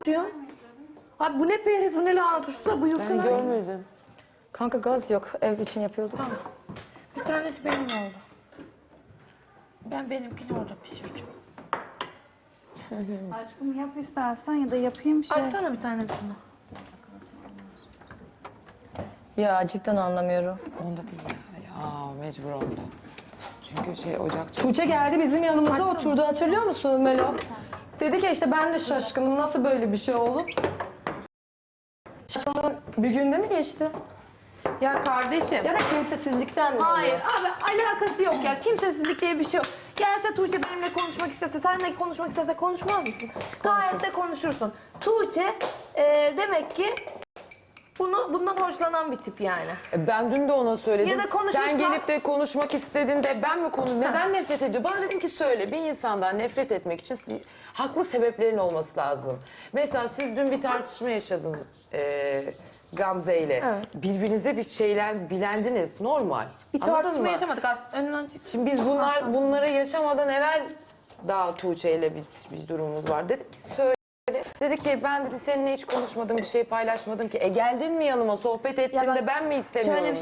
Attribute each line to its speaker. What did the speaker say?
Speaker 1: diyor. Abi bu ne periz, bu ne lahana turşusu, bu yufka.
Speaker 2: Ben görmedim.
Speaker 3: Kanka gaz yok. Ev için yapıyorduk.
Speaker 1: Bir tanesi benim oldu. Ben benimkini orada pişireceğim.
Speaker 4: Aşkım yap istersen ya da yapayım şey.
Speaker 1: Açsana bir tane şunu.
Speaker 3: Ya cidden anlamıyorum.
Speaker 2: Onda değil ya. Ya mecbur onda. Çünkü şey ocak
Speaker 3: Tuğçe geldi bizim yanımıza oturdu, hatırlıyor musun Melo? Dedi ki işte ben de şaşkınım, nasıl böyle bir şey olur? Şaşkınlığın bir günde mi geçti?
Speaker 1: Ya kardeşim.
Speaker 3: Ya da kimsesizlikten mi
Speaker 1: Hayır
Speaker 3: oluyor?
Speaker 1: abi, alakası yok ya. Kimsesizlik diye bir şey yok. Gelse Tuğçe benimle konuşmak istese, seninle konuşmak istese konuşmaz mısın? Gayet de konuşursun. Tuğçe demek ki bundan hoşlanan bir tip yani.
Speaker 2: Ben dün de ona söyledim.
Speaker 1: Ya da konuşmuş
Speaker 2: Sen
Speaker 1: bak-
Speaker 2: gelip de konuşmak istedin de ben mi konu neden nefret ediyor? Bana dedim ki söyle, bir insandan nefret etmek için haklı sebeplerin olması lazım. Mesela siz dün bir tartışma yaşadınız Gamze ile.
Speaker 1: Evet.
Speaker 2: Birbirinize bir şeyler bilendiniz, normal.
Speaker 1: Bir
Speaker 2: Anladın
Speaker 1: tartışma
Speaker 2: mı?
Speaker 1: yaşamadık aslında. Önünden çık.
Speaker 2: Şimdi biz bunları yaşamadan evvel daha Tuğçe ile bir durumumuz var. Dedik ki söyle. Dedi ki ben dedi seninle hiç konuşmadım, bir şey paylaşmadım ki. Geldin mi yanıma, sohbet ettin
Speaker 1: Ya bak,
Speaker 2: de ben mi istemiyorum?
Speaker 1: şöyle bir şey